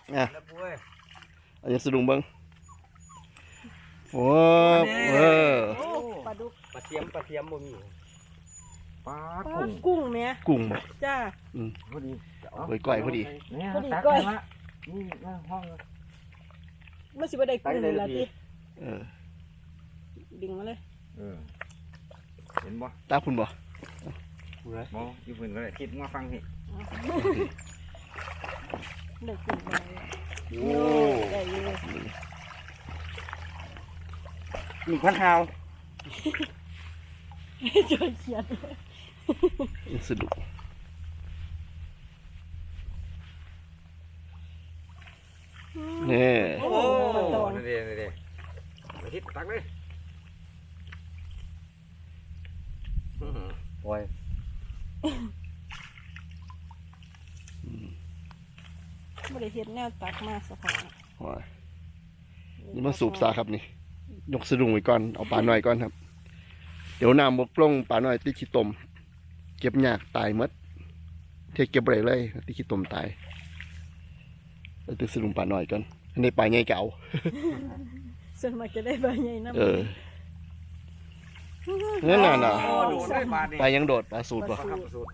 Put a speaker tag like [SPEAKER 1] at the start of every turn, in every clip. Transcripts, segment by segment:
[SPEAKER 1] อ่ะเอาอย่างสะดุ้งเบิ้งโอ้
[SPEAKER 2] ปลาดุก
[SPEAKER 3] ปลาเทียมบ่มีปลา
[SPEAKER 2] กุ้งแม่
[SPEAKER 1] กุ้งบ่
[SPEAKER 2] จ้า
[SPEAKER 3] พอดี
[SPEAKER 1] เฮ้ยก้อยพอดี
[SPEAKER 3] เนี่ย
[SPEAKER 2] พอดี
[SPEAKER 3] ตัก
[SPEAKER 2] ก้อย
[SPEAKER 3] มานี่ห้อง
[SPEAKER 2] มันสิบ่ได้กุ้งละติ
[SPEAKER 1] เออ
[SPEAKER 2] ดึงมาเลย
[SPEAKER 3] เห็นบ่
[SPEAKER 1] ตาคุณบ่
[SPEAKER 3] บ่อยู่เพิ่นก็ได้คิดมาฟังพี่
[SPEAKER 2] ได้กุ้งได้ได้อยู่
[SPEAKER 3] 1,000 หาว
[SPEAKER 2] จอยเขียน
[SPEAKER 1] อย่างสะดุ้งนี่
[SPEAKER 2] โอ้ตอง
[SPEAKER 3] นี่เด้ไปทิศตักเลยปล่อย
[SPEAKER 2] บ่ได้เฮ็ดแนวตักมาสะพอ
[SPEAKER 1] ว้ายนี่มาสูบซาครับนี่ยกสะดุ้งไว้ก่อนเอาปลาหน่อยก่อนครับเดี๋ยวน้ำบกลงปลาหน่อยติดขี้ตมเก็บยากตายหมดเทเก็บไรเลยติดขี้ตมตายแล้วติดสะดุ้งปลาหน่อยก่อนในปลาใหญ่เก่า
[SPEAKER 2] ส่วนมากจะได้ปลาใหญ่นำ
[SPEAKER 1] เออนั่นน่ะ
[SPEAKER 3] โอ้โดดได้บาดนี่
[SPEAKER 1] ปลายังโดดปลาสูตรป่ะ
[SPEAKER 3] ครับสูตร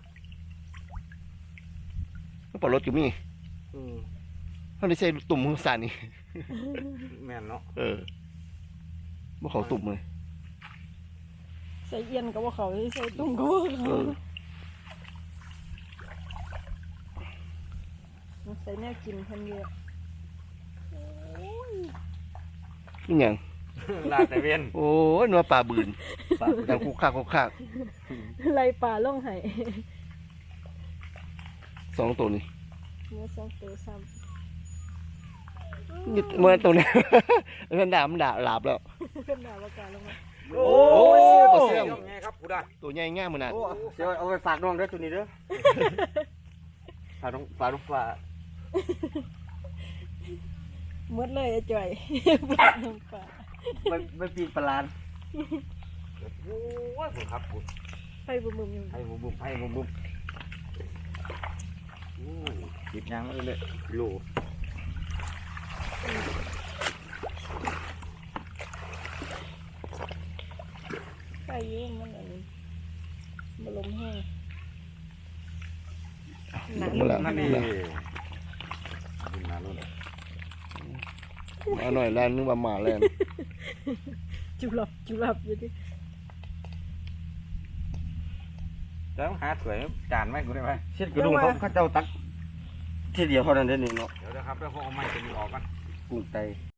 [SPEAKER 1] ปลารถอยู่มีเขาได้ใส่ตุ่มมือสั่นนี่
[SPEAKER 3] แม่นเนาะ
[SPEAKER 1] เออบ่เขาตุ่มเลย
[SPEAKER 2] ใส่เอียนก็บ่เข้าใส่ตุ้งก็บ่
[SPEAKER 1] เอ
[SPEAKER 2] เข้า
[SPEAKER 1] อ
[SPEAKER 2] ใส่แนวกินเพิ่นเยอะ
[SPEAKER 1] นี่หยัง
[SPEAKER 3] ลาดแต่เวียน
[SPEAKER 1] โอ้ยนัวปลาบืนดังคุกคักคุกคัก
[SPEAKER 2] ไล่ปลาลงให้
[SPEAKER 1] สองตัวนี้
[SPEAKER 2] เมื่อ2ตัวซ้ำ
[SPEAKER 1] นี่เมื่อตัวนี้ มันด่ามันด่าหลาบแล้ว
[SPEAKER 2] เพิ่นน่าบ่กล้าลงมา
[SPEAKER 3] โอ้
[SPEAKER 1] ปลาเสี่ยง
[SPEAKER 3] ไงครับกูได้
[SPEAKER 1] ตัวใหญ่ง่ายมันน่ะ
[SPEAKER 3] โอ้เดี๋ยวเอาไปฝากน้องเด้อตัวนี้เด้อฝากน้องฝาก
[SPEAKER 2] หมดเลยไอ้จ่อยปลาน้ำปลา
[SPEAKER 3] ไม่ปีนปลาโอ้ยผมครับผม
[SPEAKER 2] ไปบุ่มๆอยู่
[SPEAKER 3] ให้บุ้มให้บุ้มหยิบยางมาเลยโล
[SPEAKER 2] ไปอยู่มันอันนี้บ่ลมแห้งหนา
[SPEAKER 1] มาแล้ว
[SPEAKER 3] นั่นนี่
[SPEAKER 1] มาหน่อยแลนนึกว่าหมาแลน
[SPEAKER 2] จุบหลับอยู่ดิ
[SPEAKER 3] แล้วหาถ้วยจานไหมกูได้ไหมเช็ดกระดุมเขาเจ้าตักทีเดียวเท่านั้นเด้นี่เนาะเดี๋ยวนะครับแล้วเขาเอาไม้ตัวนี้ออกกันกุ้งไต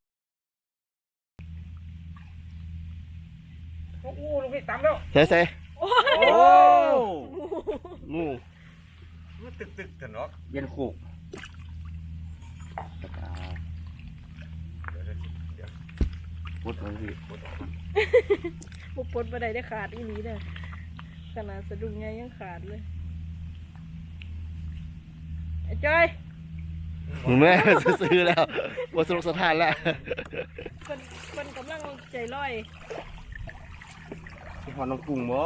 [SPEAKER 3] โอ้ลูกพี่ตามแล้ว
[SPEAKER 1] ใส่ใส่
[SPEAKER 3] โอ้
[SPEAKER 1] งู
[SPEAKER 3] มันตึกกันเนาะเย็นโคกพุดเลยพี่พุดออกมา
[SPEAKER 2] บุปผลบ่ได้ขาดอีหลีเด้อขนาดสะดุ้งใหญ่ยังขาดเลยไอ้จ้อย
[SPEAKER 1] มึงแม่ซื้อแล้วว่าสนุกสถานแล้ว
[SPEAKER 2] คนกำลังใจร้อย
[SPEAKER 3] พี่พอน้องกุ้งบ่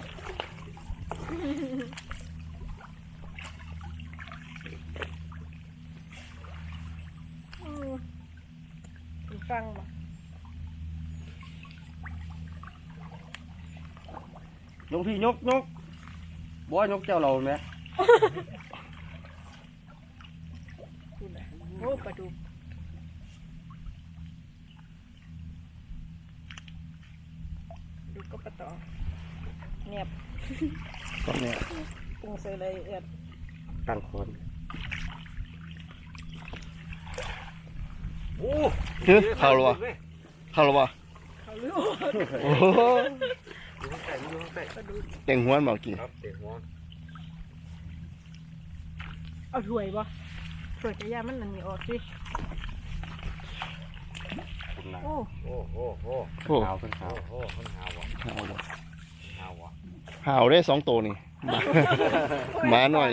[SPEAKER 2] ฟังบ่
[SPEAKER 3] ยกพี่ยกบ่ยกเจ้าเราไหม
[SPEAKER 2] พูดน่ะโอ้ปลาดุกดูก็ปลาตองเนียบ
[SPEAKER 1] ก็เนี่ย
[SPEAKER 2] ปรุงใส่เลยเอือด
[SPEAKER 3] ตั้งคน โอ้
[SPEAKER 1] คือเข้าหรอวะเข้าหรอวะ
[SPEAKER 2] เขาเลือก
[SPEAKER 1] โอ้โห
[SPEAKER 3] ดูข้างใต้ดูข้างใต้
[SPEAKER 2] ปลาดุก
[SPEAKER 1] เต่งหัวมากี่
[SPEAKER 3] ครับเตะหัว
[SPEAKER 2] เอาถ้วยบ่ถ้วยกระยามันนั่นนี่ออกสิ
[SPEAKER 3] คุณนะ
[SPEAKER 2] โอ้
[SPEAKER 3] โอ้โห
[SPEAKER 1] โอ้
[SPEAKER 3] ขาวเป็นขาวโอ้มันขาวว่ะ
[SPEAKER 1] ห่าวบ่
[SPEAKER 3] ขาวว่ะ
[SPEAKER 1] ห่าวได้สองตัวนี่หมาหน่อย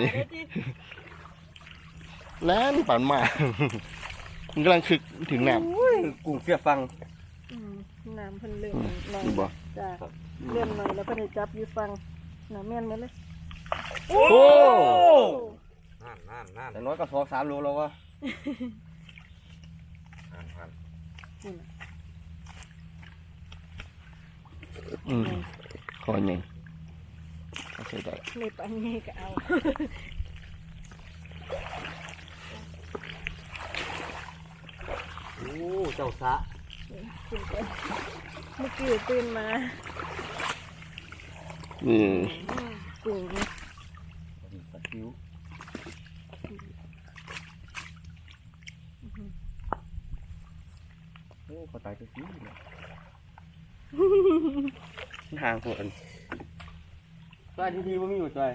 [SPEAKER 1] แล่นปั่นมา มันกำลังคึกถึงน้ำ
[SPEAKER 3] กุ้งเสียฟัง
[SPEAKER 2] น้ำเพิ่นเริ่มหน่อย
[SPEAKER 1] นี่บ่
[SPEAKER 2] จ้าเริ่มหน่อยแล้วเพิ่นให้จับอยู่ฟังน้ำแม่นหมดเลย
[SPEAKER 1] โอ้
[SPEAKER 3] นั่นแต่น้อยก็2-3 โลแล้ววะ
[SPEAKER 2] คุณน่ะ
[SPEAKER 1] คอใหญ่เอาใส่ได้
[SPEAKER 2] ไม่ปันนี้ก็เอา
[SPEAKER 3] โอ้เจ้าสะ
[SPEAKER 2] กินไปเมื่อกี้ตื่นมา
[SPEAKER 1] นี่
[SPEAKER 2] กุ้ง
[SPEAKER 3] ปลาคิ้วโอ้เขาตายตัวคิ้วเลยทางคนซอยดีๆว่ามีอยู่ซอย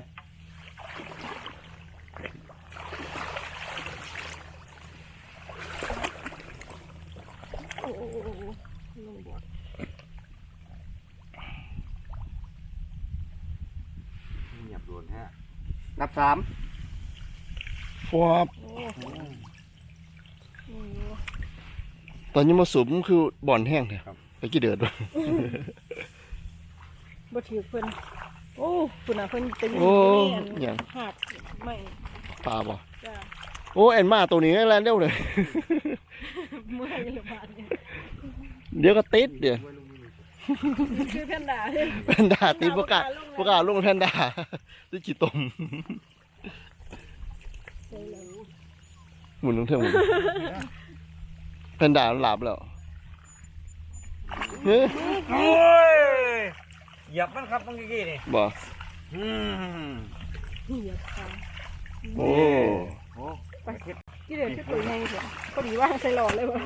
[SPEAKER 2] โอ้ลงบ่อ
[SPEAKER 3] เงียบโดนฮะนับสาม
[SPEAKER 1] ฟอบ
[SPEAKER 2] โอ้
[SPEAKER 1] ตอนนี้มาสูบมันคือบ่อนแห้งเลยไปกี่เดือดวะ
[SPEAKER 2] บ่ถือเพิ่นโอ้คุณน่ะเพิ่นเป็น
[SPEAKER 1] โอ้
[SPEAKER 2] อ
[SPEAKER 1] หยัง
[SPEAKER 2] หักไม่
[SPEAKER 1] ปลาบ่
[SPEAKER 2] จ้า
[SPEAKER 1] โอ้แอนมาตัวนี้แลนเร็วเลย
[SPEAKER 2] เมื่อยระบาดเนี่ย
[SPEAKER 1] เดี๋ยวก็ติดเดี๋ยว
[SPEAKER 2] คือแพนด้าเลย
[SPEAKER 1] แพนด้าติดประกาศลงแพนด้าด้วยขี้ตมหมุนลงเท่าหมุนแพนด้าหลับแล้วเฮ้ย
[SPEAKER 3] โอ้ยเหยียบมันครับเมื่อกี้นี่
[SPEAKER 1] บ่
[SPEAKER 2] เหยียบขา
[SPEAKER 1] โอ้
[SPEAKER 3] โอ้
[SPEAKER 2] ไปกี่เดือนที่ปุ๋ยไงเถอะพอดีว่าใส่หลอดเลยว่ะ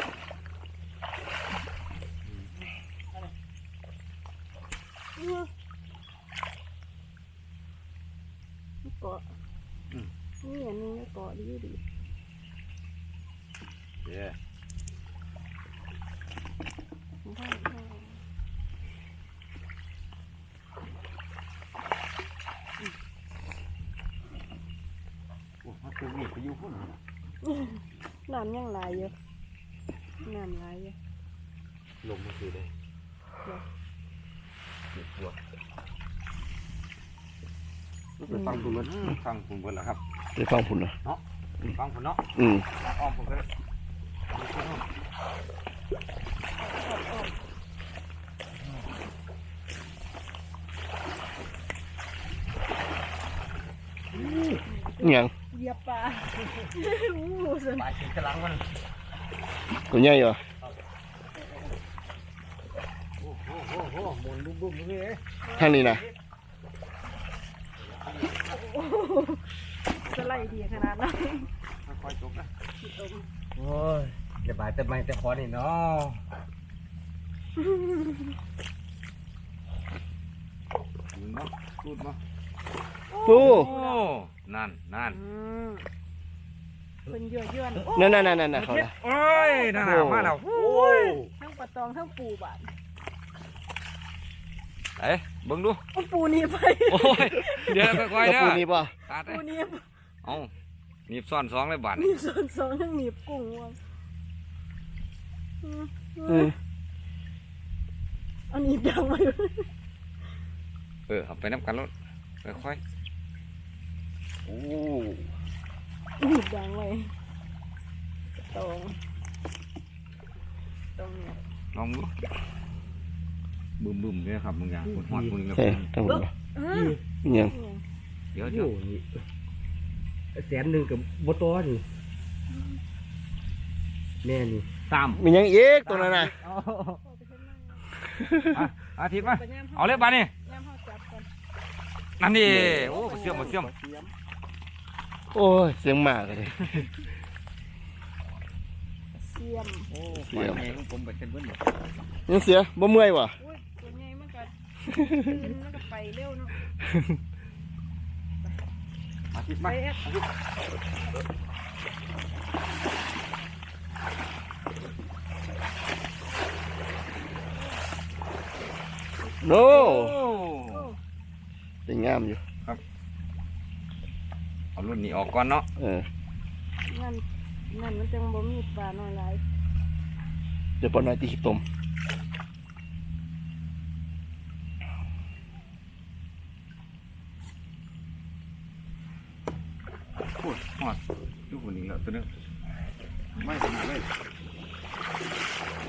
[SPEAKER 2] เกาะนี่อันนี้เกาะดีดี
[SPEAKER 3] เย้โอ้มันคือมีพายุพุ่น
[SPEAKER 2] น้ำยังไหลอยู่น้ำไหลอยู่
[SPEAKER 3] ลงมาคือได้ปวดไปฟังคุณเบิร์ดฟังคุณเบิร์ดแล้วครับ
[SPEAKER 1] ไปฟังผุนเหรอ
[SPEAKER 3] เนาะฟังคุณเนาะ
[SPEAKER 1] อืม
[SPEAKER 3] อ้อมผมก็ได้
[SPEAKER 1] อิหยัง
[SPEAKER 2] เหยียบปลาอู้สน
[SPEAKER 3] ปลายชิ้นกระลังมัน
[SPEAKER 1] ตัวใหญ่เหรอ
[SPEAKER 3] โอ้โหหมุนบุ้มๆนี่เอ้ย
[SPEAKER 1] ทางนี้นะ
[SPEAKER 2] สไลด์ดีขนาดนั้น
[SPEAKER 3] ค่อยๆจบนะโอ้ยอย่าบายแต่ไม่แต่ขอนี่เนาะมึงเนาะพูดเนาะ
[SPEAKER 1] โอ้
[SPEAKER 3] นั่น
[SPEAKER 2] เป็นยั่วย้อน
[SPEAKER 1] นั่นเขาละ
[SPEAKER 3] โอ้ยนั่นมาแล้วโอ้ย
[SPEAKER 2] ทั้งปลาตองทั้งปูบาด
[SPEAKER 3] เอ้เบิ่งดู
[SPEAKER 2] เอาปูนี่ไป
[SPEAKER 3] โอ้ยเดี๋ยวค่อยๆ
[SPEAKER 1] แล้ว
[SPEAKER 3] เด้
[SPEAKER 1] ปู
[SPEAKER 3] อ
[SPEAKER 1] นี่ป่ะ
[SPEAKER 3] ขาดเล
[SPEAKER 2] ปู
[SPEAKER 3] ย
[SPEAKER 2] นี่
[SPEAKER 3] เอ้าหนีบซ่อนสองเลยบาด
[SPEAKER 2] มีส่วนสองทั้งหนีบกุ้งวาง เอาหนีบยางไว้
[SPEAKER 3] เอาไปน้ำกันแล้วค่อยๆโอ้
[SPEAKER 2] หนีบยางไว้ตองเนี่ย
[SPEAKER 3] ลองดูบึ้มๆเนี่ยครับมึงอย่างคุณฮอดมึงกับ
[SPEAKER 1] ใช่ทั้งหมดป่ะอิหยัง
[SPEAKER 3] เดี๋ยว
[SPEAKER 4] แสนหนึ่งกับบตอนี่แม่นี่
[SPEAKER 3] ตาม
[SPEAKER 1] มีหยังอีกตัวนั้นน่ะ
[SPEAKER 3] อาทิตย์มาเอาเลยบาดนี่
[SPEAKER 2] ย่ามเฮาจับก่อน
[SPEAKER 3] นั่นดิโอ้มาเชื่อม
[SPEAKER 1] โอ้ยเสียงหมากเลย
[SPEAKER 2] เสียม
[SPEAKER 3] โอ้ปล่อยให้ผมไปเส้นเบิ้ล
[SPEAKER 1] ยังเสียบ่เมื่อยว่ะ
[SPEAKER 2] อุ้ยตัวใหญ่มันก็ตื่นมันก็ไปเร็วเนาะ
[SPEAKER 3] อาทิตย์
[SPEAKER 2] ไป
[SPEAKER 3] มา
[SPEAKER 2] แอ๊ะ
[SPEAKER 1] โน่
[SPEAKER 3] โอ้
[SPEAKER 1] เป็นงามอยู่
[SPEAKER 3] เอารุ่นนี้ออกก่อนเนาะ
[SPEAKER 2] นั่นมันจังบ่มีปลาน้อยหลาย
[SPEAKER 1] เดี๋ยวปอนน้อยตีขี้ตม
[SPEAKER 3] พูดฮอดดูคนนี้แล้วตัวนึงไม่ขนาดเลย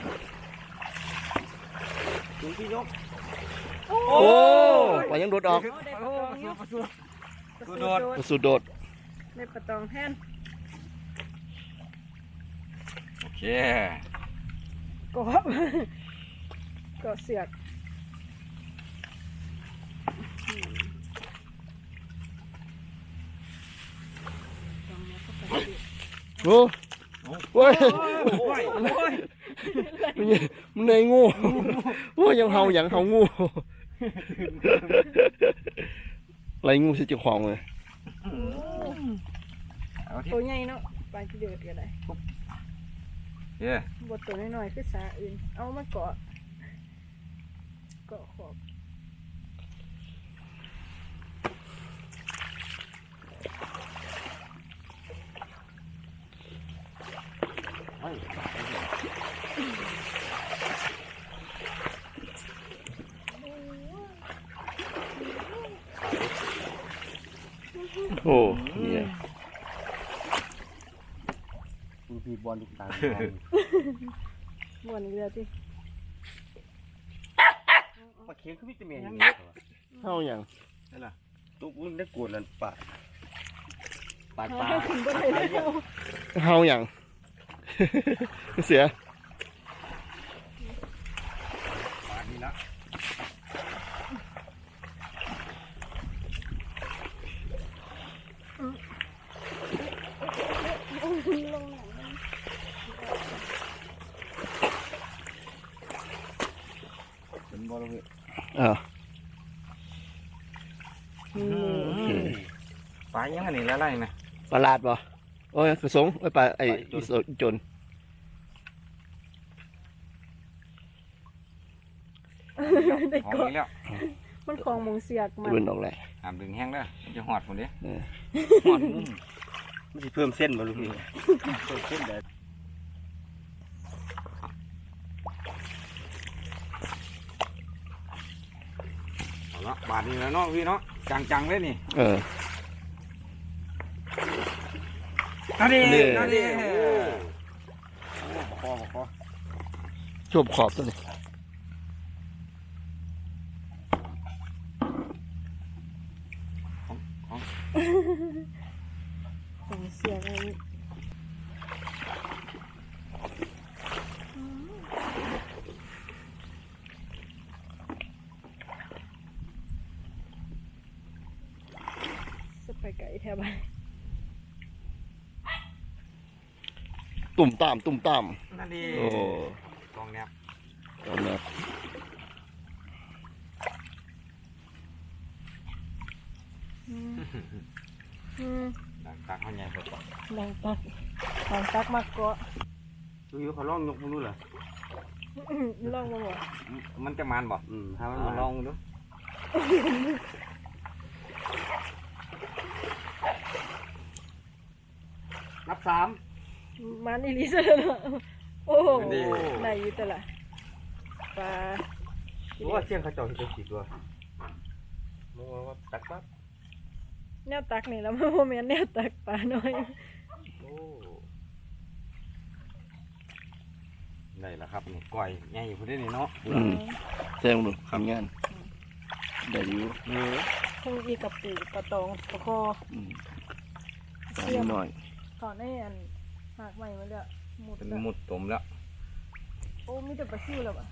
[SPEAKER 3] ถึงที่ยก
[SPEAKER 2] โอ้
[SPEAKER 1] โอ้ปลายังโดดออก
[SPEAKER 2] ได้ปลาตองอยู่
[SPEAKER 3] ประสูด
[SPEAKER 2] ปลา
[SPEAKER 3] โดด
[SPEAKER 1] ปลาสูดโดด
[SPEAKER 2] ได้ปลาตองแทน
[SPEAKER 3] โอเค
[SPEAKER 2] กบก็เสือกตองนี้ก็ปลาสิ
[SPEAKER 1] โอ้โอ้ย
[SPEAKER 3] โอ้ยโอ้ย
[SPEAKER 1] มันในงูโอ้ยยังเฮาอย่างเฮางูไรงูสิเจ้าของเลย
[SPEAKER 3] เอาที่
[SPEAKER 2] ตัวใหญ่เนาะปลาที่เดือดกันได้
[SPEAKER 3] เย้
[SPEAKER 2] บทตัวน้อยๆคือสาอื่น เอามาเกาะขอบ
[SPEAKER 1] โอ้เนี่ย
[SPEAKER 4] ดูพีบอลดูตา
[SPEAKER 2] ม่วนอีกแล้วที่
[SPEAKER 4] ปลาเค็งคือวิตามินอย่างนี้
[SPEAKER 1] เฮาอย่าง
[SPEAKER 4] ตุ๊กมึงได้กวนนั่นปลาปลา
[SPEAKER 2] หาถึงบ่ได้แล้ว
[SPEAKER 1] เฮาอย่าง เสีย
[SPEAKER 3] ปลานี่ละ
[SPEAKER 2] ลงหนัง
[SPEAKER 3] เป็นบอลลูน
[SPEAKER 1] อ่า
[SPEAKER 3] ปลายังไงนี่ละไรนะ
[SPEAKER 1] ปลาลาดบ่โอ้ยกระสงไอ้ปลาไอ้อีจน
[SPEAKER 2] ได้
[SPEAKER 3] ของ
[SPEAKER 2] เกาะ
[SPEAKER 3] นี้แล้ว
[SPEAKER 2] มันของมงเสียกมัน
[SPEAKER 1] เดินออกแหละ
[SPEAKER 3] ห้ามดึงแห้งเด้อจะหอดคนเดียว
[SPEAKER 1] เออ
[SPEAKER 3] หอดมุม
[SPEAKER 4] มันจะเพิ่มเส้นมาลูกพี่เพิ่มเส้นได้
[SPEAKER 3] เอาละบาทนี้แล้วเนาะพี่เนาะจังๆเลยนี่
[SPEAKER 1] เออ
[SPEAKER 3] นั่นดิ
[SPEAKER 1] นี่
[SPEAKER 3] นั่นดิคอ
[SPEAKER 1] ชบขอบตัวนี้
[SPEAKER 2] ของเสียกอะไรสไปไก่แถวบ้าน
[SPEAKER 1] ตุ่มตามตุ่มตาม
[SPEAKER 3] นั่นดิ
[SPEAKER 1] โอ้
[SPEAKER 3] กองแนบ
[SPEAKER 1] ตอนนี้
[SPEAKER 3] ตักเขาใหญ่สุด
[SPEAKER 2] ดังตักมากเกาะ
[SPEAKER 4] ดูอยู่เขาลองยกมือดูเหรอ
[SPEAKER 2] ลองมาหมด
[SPEAKER 3] มันจะมันบ่
[SPEAKER 4] ถ้ามัน
[SPEAKER 3] เอา
[SPEAKER 4] มา
[SPEAKER 3] ลองดู
[SPEAKER 4] นับสาม
[SPEAKER 2] มันอีลิซเลยเนาะโอ้โหได้อยี่แต่ละปลา
[SPEAKER 4] รู้ว่าเชียงเขาเจาะที่จะขีดตัวมึงว่าตักปั๊บ
[SPEAKER 2] แนวตักนี่แล้วมันโมเมนแนวตักปลาน้อย
[SPEAKER 4] โอ้
[SPEAKER 3] ได้แล้วครับนี่ก้อยใหญ่อยู่พอดีนี่เนาะ
[SPEAKER 1] อืมแซงดูทำงานได้อยู่
[SPEAKER 2] คงอีกับปูปลาตองปลาคอ
[SPEAKER 1] อืมตา
[SPEAKER 2] เสียม
[SPEAKER 1] หน่อย
[SPEAKER 2] ถอนให้อันหากใหม่มาเลยหมด
[SPEAKER 3] เป็น
[SPEAKER 2] ละ
[SPEAKER 3] มุดตมแล้ว
[SPEAKER 2] โอ้มีแต่ปลาซิวแล้วอ่ะ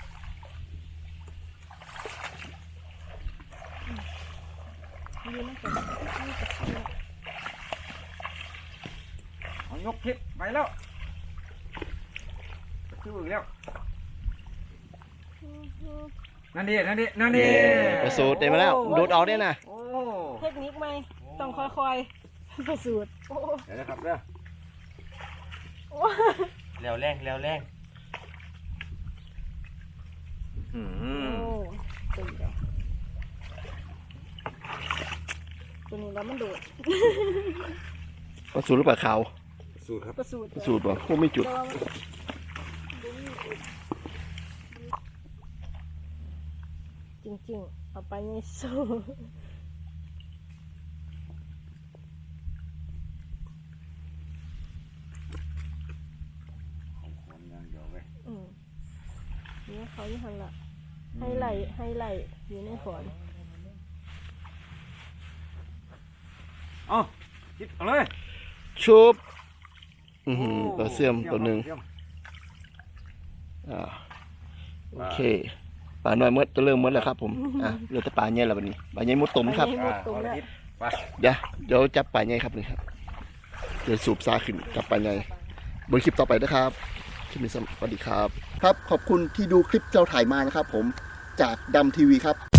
[SPEAKER 2] ยืนนั่งกันมีปลาซิว
[SPEAKER 3] เอายกคลิปไปแล้วชื่ออีกแล้วนั่นดินั่นดินั่นดิ
[SPEAKER 1] ประสูตรได้มาแล้วโดดออกได้นะ
[SPEAKER 3] โอ้
[SPEAKER 2] เทคนิคไหมต้องค่อยๆประสูตรโอ้
[SPEAKER 3] เดี๋ยวนะครับเด้อ
[SPEAKER 4] แล้วแรงแล้วแรง
[SPEAKER 3] อื
[SPEAKER 2] โอ้
[SPEAKER 3] ม
[SPEAKER 2] ตัวนี้ตัวนี้แล้วมันโดด
[SPEAKER 1] ประสูตรหรือเปล่าขาว
[SPEAKER 3] สูตรครับ
[SPEAKER 2] ประสูตร
[SPEAKER 1] ประสูตรบ่พวกไม่จุด
[SPEAKER 2] แต่ว่ามันบ่มีจุดจริงๆเอาไปยังสู้
[SPEAKER 3] คนอย่างเดียวเว้ย
[SPEAKER 2] เนี่ยเขาอยู่หันละให้ไหลอยู่ในฝอน
[SPEAKER 3] เอาคิดเอาเลย
[SPEAKER 1] ชุบตัวเสื่อมตัวหนึ่งโอเคปลาน้อยมดจะเริ่มมดแล้วครับผมเหลือแต่ปลาใหญ่แล้ววันนี้ปลาใหญ่มดตุ่มครับ
[SPEAKER 2] หมดตรงแล้ว
[SPEAKER 1] เดี๋ยวจับปลาใหญ่ครับนี่ครับเดี๋ยวสูบซาขึ้นจับปลาใหญ่บนคลิปต่อไปนะครับคลิปนี้สวัสดีครับครับขอบคุณที่ดูคลิปเราถ่ายมานะครับผมจากดำทีวีครับ